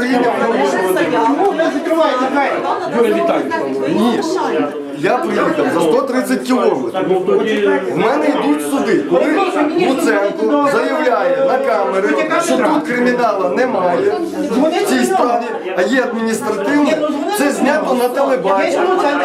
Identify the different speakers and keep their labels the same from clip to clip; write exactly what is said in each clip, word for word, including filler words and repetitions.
Speaker 1: України не закривайте двері.
Speaker 2: Юрій Віталійович.
Speaker 1: Ні, я приїхав за сто тридцять кілометрів. В мене йдуть суди. Коли Луценко заявляє на камери, що тут криміналу немає в цій справі, а є адміністративне, це знято на телебаченні.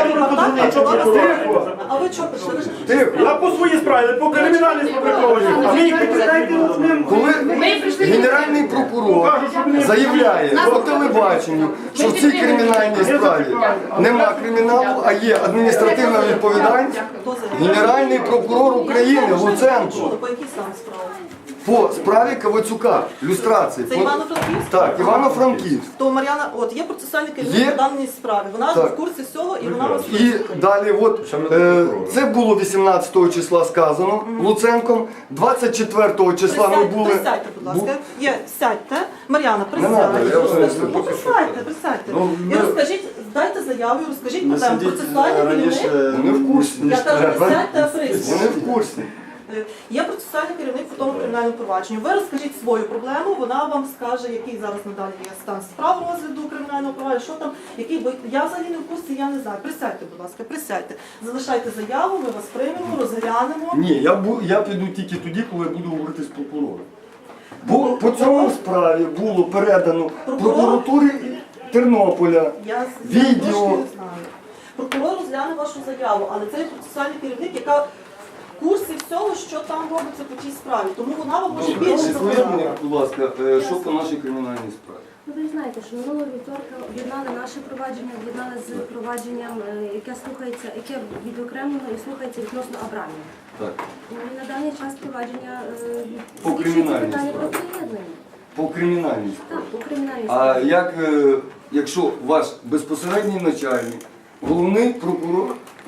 Speaker 3: А ви чого прийшли?
Speaker 1: Тихо.
Speaker 2: Я по своїй справі, по кримінальній сфабриковані. А ви їх питаєте ним.
Speaker 1: Коли генеральний прокурор заявляє по телебаченню, що в цій кримінальній справі нема криміналу, а є адміністративна відповідальність, генеральний прокурор України Луценко
Speaker 3: По якій сам справі?
Speaker 1: по справі Кавацюка, люстрації.
Speaker 3: Це
Speaker 1: по-
Speaker 3: Івано-Франківськ?
Speaker 1: Так, Івано-Франківськ.
Speaker 3: То Мар'яна, от є процесуальний керівник
Speaker 1: Є.
Speaker 3: по даній справі. Вона ж
Speaker 1: Так.
Speaker 3: в курсі всього і вона вас
Speaker 1: І далі, от е, це було вісімнадцятого числа сказано Луценком, двадцять четвертого числа ми
Speaker 3: Присядьте,
Speaker 1: були.
Speaker 3: присядьте, будь ласка. Є, сядьте. Мар'яна,
Speaker 1: Не надо,
Speaker 3: присядьте.
Speaker 1: я вже не
Speaker 3: Розкажіть.
Speaker 1: стою.
Speaker 3: Ну, Присядьте, присядьте.
Speaker 1: Ну,
Speaker 3: І
Speaker 1: ми-
Speaker 3: розкажіть, дайте заяву і розкажіть
Speaker 4: Не
Speaker 3: про тему.
Speaker 4: сидіть
Speaker 3: Процесуальний
Speaker 4: раніше,
Speaker 3: керівник.
Speaker 1: Вони в курсі.
Speaker 3: Я кажу, присядьте, а присядьте.
Speaker 1: Вони в курсі.
Speaker 3: Е, Є процесуальний керівник по тому кримінальному провадженню. Ви розкажіть свою проблему, вона вам скаже, який зараз надалі є стан справ розгляду кримінального провадження, що там, який ви. Я взагалі не в курсі, я не знаю. Присядьте, будь ласка, присядьте. Залишайте заяву, ми вас приймемо, розглянемо.
Speaker 1: Ні, я, бу, я піду тільки тоді, коли буду говорити з прокурором. Бо по цьому справі було передано
Speaker 3: Прокурор?
Speaker 1: прокуратурі Тернополя.
Speaker 3: Я,
Speaker 1: Відео.
Speaker 3: я трошки не знаю. Прокурор розгляне вашу заяву, але це є процесуальний керівник, яка в курсі всього, що там робиться по тій справі. Тому вона вам може більше
Speaker 1: Скажіть мені,
Speaker 3: сказати.
Speaker 1: будь ласка, е, що по нашій кримінальній справі?
Speaker 5: Ну, ви знаєте, що минулого вівторка об'єднали наше провадження, об'єднали з провадженням, е, яке слухається, яке відокремлено і слухається відносно Абрамів.
Speaker 1: Так.
Speaker 5: Ну, і на даний час провадження е,
Speaker 1: По
Speaker 5: вирішується
Speaker 1: кримінальній
Speaker 5: питання
Speaker 1: справі.
Speaker 5: про приєднання.
Speaker 1: По кримінальній
Speaker 5: Так,
Speaker 1: справі.
Speaker 5: по кримінальній
Speaker 1: А
Speaker 5: справі.
Speaker 1: як, е, якщо ваш безпосередній начальник, головний прокурор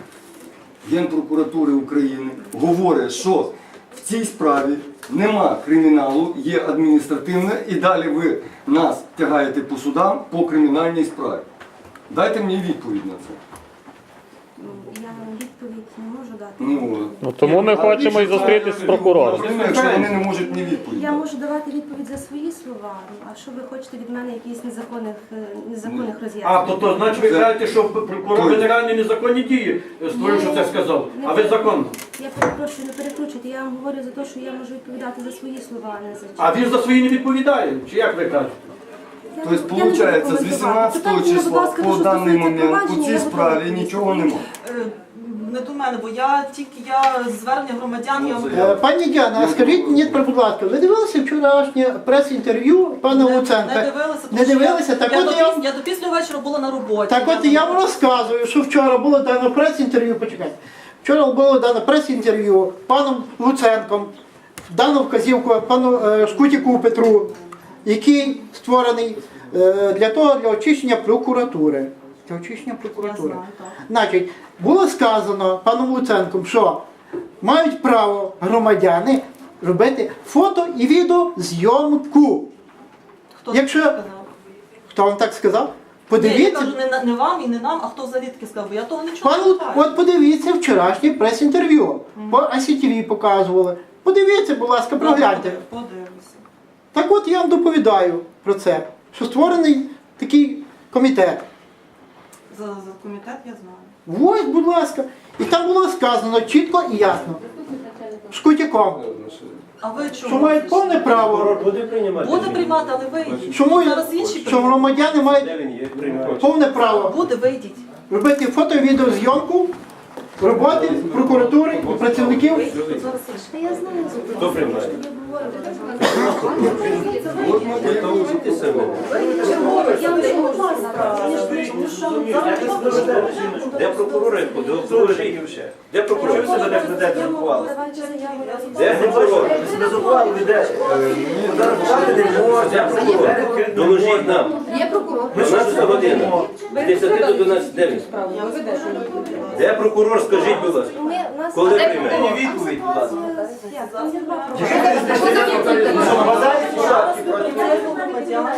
Speaker 1: Генпрокуратури України говорить, що в цій справі нема криміналу, є адміністративне, і далі ви нас тягаєте по судам по кримінальній справі. Дайте мені відповідь на це.
Speaker 5: Ну, я відповідь не можу дати.
Speaker 1: Ну,
Speaker 6: Ну, тому ми хочемо і зустрітися з прокурором.
Speaker 1: Якщо вони не можуть мені відповідь.
Speaker 5: Я можу давати відповідь за свої слова, ну, а що ви хочете від мене якісь незаконних, е, незаконних роз'яснень?
Speaker 2: А, то, то значить ви кажете, що прокурор генеральні незаконні дії створив, що це сказав. А ви законно.
Speaker 5: Я перепрошую, не перекручуйте, я вам говорю за те, що я можу відповідати за свої слова, а не за
Speaker 2: А він за свої не відповідає? Чи як ви кажете?
Speaker 5: Я
Speaker 1: Тобто,
Speaker 5: не- я не буду
Speaker 1: виходить, з
Speaker 5: коментувати.
Speaker 1: вісімнадцятого
Speaker 5: Питання, будь
Speaker 1: числа
Speaker 5: ласка,
Speaker 1: по
Speaker 5: що
Speaker 1: даний
Speaker 5: стосується
Speaker 1: момент у
Speaker 5: провадження,
Speaker 1: цій
Speaker 5: я
Speaker 1: справі
Speaker 5: готова
Speaker 1: нічого немає.
Speaker 3: Е, Не до мене, бо я тільки я звернення громадян, я
Speaker 1: Ну,
Speaker 7: Е, Пані Діана, а скажіть мені, будь ласка, ви дивилися вчорашнє прес-інтерв'ю пана
Speaker 3: не,
Speaker 7: Луценка?
Speaker 3: не дивилася. тому
Speaker 7: Не
Speaker 3: що
Speaker 7: дивилися?
Speaker 3: Я,
Speaker 7: Так
Speaker 3: я,
Speaker 7: от
Speaker 3: до,
Speaker 7: я-
Speaker 3: піс- я до після вечора була на роботі.
Speaker 7: Так от я вам розказую, що вчора було дано прес-інтерв'ю, почекайте. Вчора було дано прес-інтерв'ю паном Луценком, дано вказівку пану е, Шкутіку Петру, який створений е, для того, для очищення прокуратури. Для очищення прокуратури.
Speaker 3: Я знаю, так.
Speaker 7: Значить, було сказано паном Луценком, що мають право громадяни робити фото і відеозйомку.
Speaker 3: Хто
Speaker 7: Якщо-
Speaker 3: це сказав?
Speaker 7: Хто вам так сказав?
Speaker 3: Ні, я
Speaker 7: Подивіться.
Speaker 3: кажу, не, на- не вам і не нам, а хто взагалі таке сказав, бо я того нічого
Speaker 7: Пан,
Speaker 3: не
Speaker 7: Лу-
Speaker 3: знаю.
Speaker 7: от подивіться вчорашнє прес-інтерв'ю. По Ай Сі Ті Ві показували. Подивіться, будь ласка, прогляньте.
Speaker 3: Подивимося.
Speaker 7: Так от я вам доповідаю про це, що створений такий комітет.
Speaker 3: За, за комітет я знаю.
Speaker 7: Ось, будь ласка. І там було сказано чітко і ясно. Шкутяком.
Speaker 3: А ви
Speaker 7: Що
Speaker 3: чому?
Speaker 7: мають повне право,
Speaker 4: Буде приймати?
Speaker 3: Буде приймати, але вийдіть.
Speaker 7: чому
Speaker 3: Зараз інші
Speaker 7: що
Speaker 3: приймуть.
Speaker 7: громадяни мають
Speaker 4: Де він є? Приймати.
Speaker 7: повне право
Speaker 3: Буде, вийдіть.
Speaker 7: робити фото і відеозйомку роботи прокуратури і працівників.
Speaker 3: Вийдіть, тут зараз інші.
Speaker 5: Та я знаю за це.
Speaker 4: Хто приймає?
Speaker 1: От ми поїхали.
Speaker 5: Я вам скажу, будь ласка.
Speaker 4: Де прокурори? Доложіть. Де прокурори себе так ведете
Speaker 5: Я
Speaker 4: за
Speaker 5: можу
Speaker 4: ухвали?
Speaker 5: давати заяву.
Speaker 4: Де прокурор? Ви себе за ухвалу ведете. Зараз не можна. Де прокурор? Доложіть нам.
Speaker 5: Є прокурор.
Speaker 4: дванадцята година. З десяти до дванадцяти. Де він? Де прокурор? Скажіть, будь ласка.
Speaker 5: Ми, у нас
Speaker 4: Коли прийме? Відповідь, будь ласка.
Speaker 5: Як? Там є два прокурори.
Speaker 3: громадян.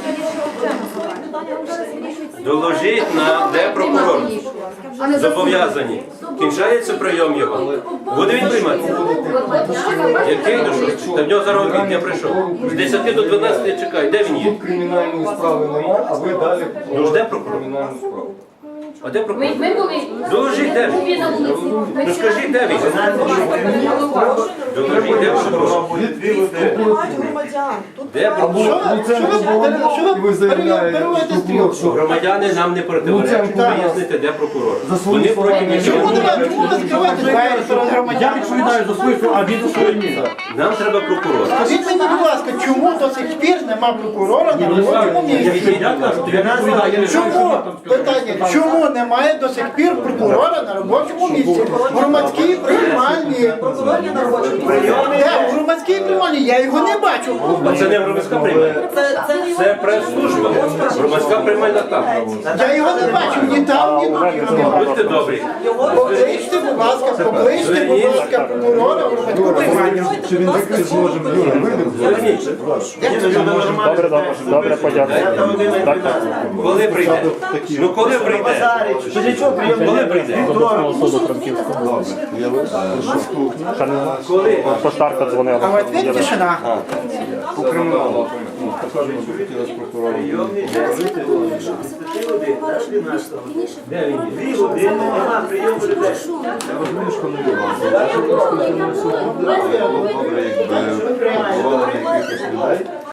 Speaker 4: Доложіть на де прокурор. Зобов'язані. Кінчається прийом його. Буде він приймати? Який до що? Та в нього зараз обід, я прийшов. З десяти до дванадцяти чекаю. Де він є?
Speaker 1: Тут кримінальної справи немає, а ви далі
Speaker 4: Ну ж де прокурор?
Speaker 1: кримінальну справу.
Speaker 4: А де прокурор?
Speaker 8: Ми, ми були.
Speaker 4: Доложіть, де він?
Speaker 8: Були на вулиці.
Speaker 4: Ну скажіть, де він? Доложіть, де прокурор?
Speaker 3: Приймають громадян. Тут
Speaker 4: Де прокурор?
Speaker 7: Що ви- що ви- що ви
Speaker 1: І ви заявляєте,
Speaker 7: перериваєте
Speaker 1: що
Speaker 7: стрілку?
Speaker 1: було, що
Speaker 4: Громадяни нам не противоречать.
Speaker 1: Луценко.
Speaker 4: Вияснити, де прокурор.
Speaker 1: За свої
Speaker 4: Вони
Speaker 1: слова
Speaker 4: проти
Speaker 1: не
Speaker 4: нічого.
Speaker 7: Чому
Speaker 4: не
Speaker 7: ви
Speaker 4: роблять.
Speaker 7: чому ви закриваєте двері перед
Speaker 2: Я
Speaker 7: громадянами?
Speaker 2: відповідаю за свою, а він за свою ні.
Speaker 4: Нам треба прокурор.
Speaker 7: Скажіть мені, будь ласка, чому до сих пір нема прокурора на робочому місці?
Speaker 2: Я кажу, я відповідаю, я не знаю, що
Speaker 7: Чому?
Speaker 2: ви там сказали.
Speaker 7: Питання, чому немає до сих пір прокурора на робочому місці? В громадській приймальні.
Speaker 3: прокурор є на робочому місці.
Speaker 7: Де? В громадській приймальні? Я його не бачу.
Speaker 4: Це не громадська приймальня.
Speaker 3: Це, це не його
Speaker 4: Це прес-служба. Громадська приймальна там.
Speaker 7: Я його не бачу ні там, ні тут. Його не бачу.
Speaker 4: Будьте добрі.
Speaker 7: Покличте, будь ласка, покличте, будь ласка, прокурора в громадську приймальню.
Speaker 1: Чи він такий зможемо? Юра, вийдемо.
Speaker 4: Зверніть.
Speaker 6: Добре, добре, добре, подякую. Так, так.
Speaker 4: Коли прийде? Ну коли прийде? Коли прийде?
Speaker 6: З обласного суду Франківського. Ще не
Speaker 4: Коли?
Speaker 6: поштарка
Speaker 7: А
Speaker 6: дзвонила.
Speaker 7: в ответ тишина.
Speaker 1: По криміналу. Також ми хотіли з прокурором.
Speaker 4: Де він є?
Speaker 5: Дві години, нема прийому людей.
Speaker 1: Я розумію, що не любимо. Добре, якби прокурори на якихось людей.